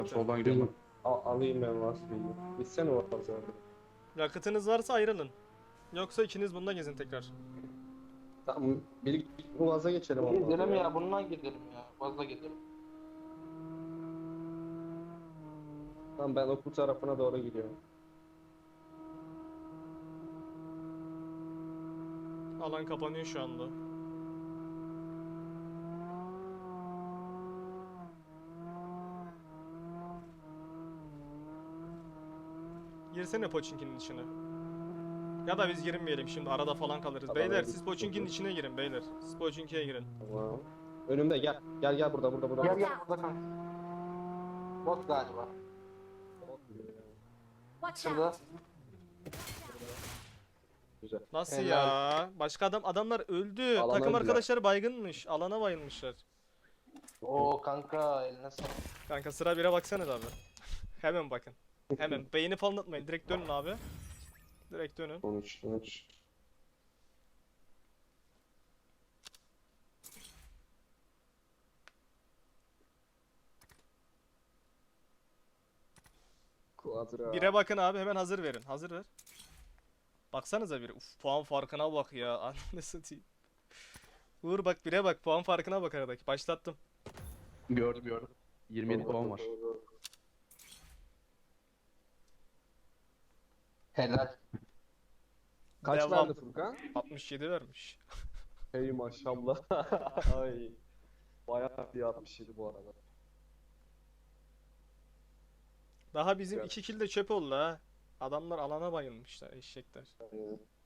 Soldan gidiyorum Alayım ben Vasfi'yi. Gitsene o pazara. Yakıtınız varsa ayrılın. Yoksa ikiniz bununla gezin tekrar. Tamam. Bir Uaz'a geçelim olmadı Gidelim ya. ya, bununla gidelim ya. Fazla gidelim. Tamam ben okul tarafına doğru gidiyorum. Alan kapanıyor şu anda. Girsene Pochinki'nin içine. Ya da biz girmeyelim şimdi, arada falan kalırız. Tamam, Beyler hadi. siz Pochinki'nin içine girin beyler. Siz Pochinki'ye girin. Tamam. Önümde gel. Gel burada. Gel burada kanka. Bot galiba. Watch Şurada. out! Güzel. Nasıl Helal. ya? Başka adamlar öldü. Alana Takım öldüler. arkadaşları baygınmış. Alana bayılmışlar. Oo kanka, eline sağlık. Kanka sıra 1'e baksanız abi. Hemen bakın. Hemen. Beyni falan atmayın. Direkt dönün abi. Direkt dönün. 13. Quadra. 1'e bakın abi, hemen hazır verin. Hazır ver. Baksanıza bir. Uf, puan farkına bak ya. Ananı satayım. Uğur bak, 1'e bak. Puan farkına bak aradaki. Başlattım. Gördüm. 27 puan var. Helal. Kaç Devam. verdi Furkan? 67 vermiş. Hey maşallah. Ay. Bayağı bir 67 bu arada. Daha bizim Evet. 2 kill de çöp oldu ha. Adamlar alana bayılmışlar, eşekler.